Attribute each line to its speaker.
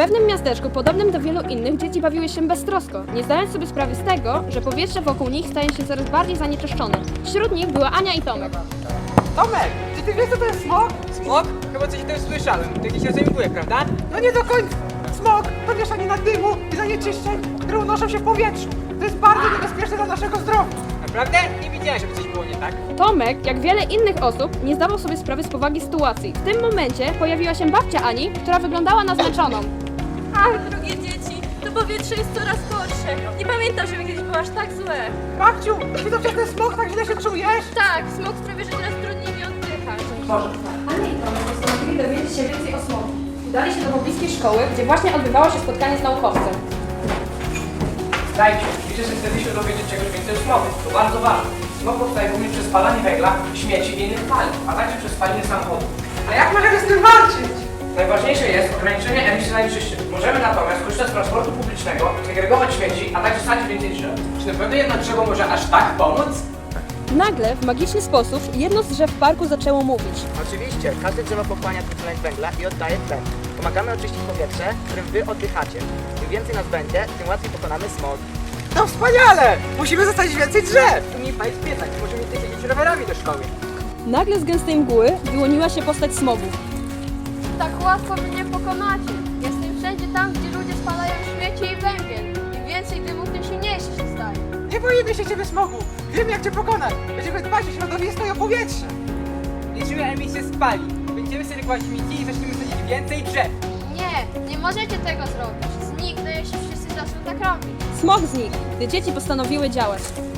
Speaker 1: pewnym miasteczku, podobnym do wielu innych, dzieci bawiły się beztrosko, nie zdając sobie sprawy z tego, że powietrze wokół nich staje się coraz bardziej zanieczyszczone. Wśród nich była Ania i Tomek.
Speaker 2: Tomek, czy ty wiesz co to jest smog?
Speaker 3: Smog? Chyba coś o tym słyszałem. To jakiś rodzaj mgły, prawda?
Speaker 2: No nie do końca. Smog to mieszanina dymu i zanieczyszczeń, które unoszą się w powietrzu. To jest bardzo niebezpieczne dla naszego zdrowia.
Speaker 3: Naprawdę? Nie widziałem, żeby coś było nie tak.
Speaker 1: Tomek, jak wiele innych osób, nie zdawał sobie sprawy z powagi sytuacji. W tym momencie pojawiła się babcia Ani, która wyglądała na zmęczoną.
Speaker 4: Ach, drogie dzieci, to powietrze jest coraz gorsze. Nie pamiętam, żeby kiedyś było aż tak złe.
Speaker 2: Babciu, czy to przez ten smog tak źle się czujesz?
Speaker 4: Tak, smog sprawia, że teraz trudniej mi oddychać.
Speaker 1: Ania i Tomek postanowili dowiedzieć się więcej o smogu. Udali się do pobliskiej szkoły, gdzie właśnie odbywało się spotkanie z naukowcem.
Speaker 5: Dajcie, widzę, że chcecie się dowiedzieć czegoś więcej o smogu. To bardzo ważne. Smog powstaje głównie przez spalanie węgla, śmieci i innych paliw, a także przez spalanie samochodów.
Speaker 2: A jak możemy z tym walczyć?
Speaker 5: Najważniejsze jest ograniczenie emisji zanieczyszczeń. Możemy natomiast korzystać z transportu publicznego, segregować śmieci, a także sadzić więcej drzew.
Speaker 3: Czy na pewno jedno drzewo może aż tak pomóc?
Speaker 1: Nagle, w magiczny sposób, jedno z drzew w parku zaczęło mówić.
Speaker 6: Oczywiście, każde drzewo pochłania dwutlenek węgla i oddaje tlen. Pomagamy oczyścić powietrze, którym wy oddychacie. Im więcej nas będzie, tym łatwiej pokonamy smog.
Speaker 2: No wspaniale! Musimy zostawić więcej drzew!
Speaker 3: Tu mi palić piecach, możemy nie jeździć rowerami do szkoły.
Speaker 1: Nagle z gęstej mgły wyłoniła się postać smogu.
Speaker 4: Tak łatwo mnie pokonacie. Jestem wszędzie tam, gdzie ludzie spalają śmieci i węgiel. Im więcej dymu, tym silniejszy się staje.
Speaker 2: Nie boimy się ciebie smogu! Wiemy jak cię pokonać! Będziemy dbać o środowisko i o powietrze!
Speaker 3: Liczymy emisję spali. Będziemy segregować śmieci i zaczniemy sadzić więcej drzew.
Speaker 4: Nie możecie tego zrobić. Zniknę, jeśli wszyscy zaczną tak robić.
Speaker 1: Smog znikł, gdy dzieci postanowiły działać.